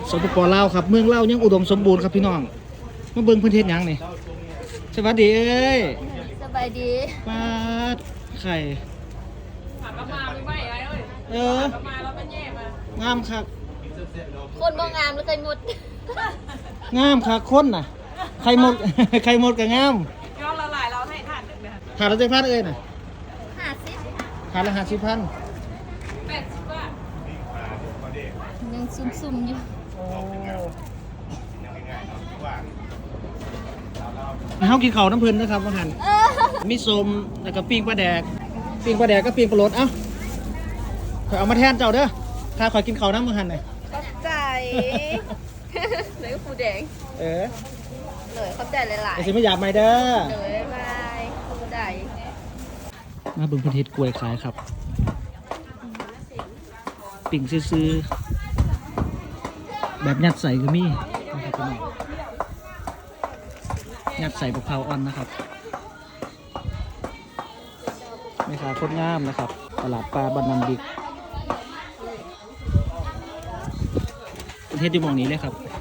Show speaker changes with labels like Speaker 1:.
Speaker 1: สปป.ลาวครับเมืองลาวยังอุดมสมบูรณ์ครับพี่น้องมาเบิ่งพื้นที่หยังนี่สวัสดีเอ้ย
Speaker 2: สบายดี
Speaker 1: มาไข่
Speaker 3: ผ่านมาไม่ไหวเอ้ย
Speaker 1: เออ
Speaker 3: มาแล้วมันแย่มาง
Speaker 1: ามคัก
Speaker 2: คนบ่งามหรือเคยหมด
Speaker 1: งามคักคนน่ะไข่หมด ไข่หมดก็งาม
Speaker 3: ย้อนละลายเราให้ทานดึกนะ
Speaker 1: ถาดละ7,000เอ้ยน่ะ
Speaker 2: 50
Speaker 1: ถาดละ50,000
Speaker 3: 80 บาท
Speaker 2: ยังซุ่มๆอยู่
Speaker 1: เฮากินข้าวน้ำเพิ่นนะครับว่าหั่นมีส้มแล้วก็ปิ้งปลาแดกก็ปิ้งปลาโรดเอ้าข่อยเอามาแทนเจ้าเด้อถ้าข่อยกินข้าวน้ำมื้อหั่นน่ะ
Speaker 2: ขอบใจเลยฟูแดง
Speaker 1: เออ
Speaker 2: เลยขอบใจหลาย
Speaker 1: ไอ้สิไม่อยากใหม่เด้อ
Speaker 2: ๆเลยบายขอบใจ
Speaker 1: มาเบิ่งเพิ่นเฮ็ดกล้วยขายครับปิ่งซื่อๆแบบยัดใส่ก็มีนะครับพี่น้องยัดใส่มะพร้าวอ่อนนะครับแม่ค้าโคตรงามนะครับตลาดปลาบ้านนำดิกเพิ่นเฮ็ดอยู่หม้องนี้เลยครับ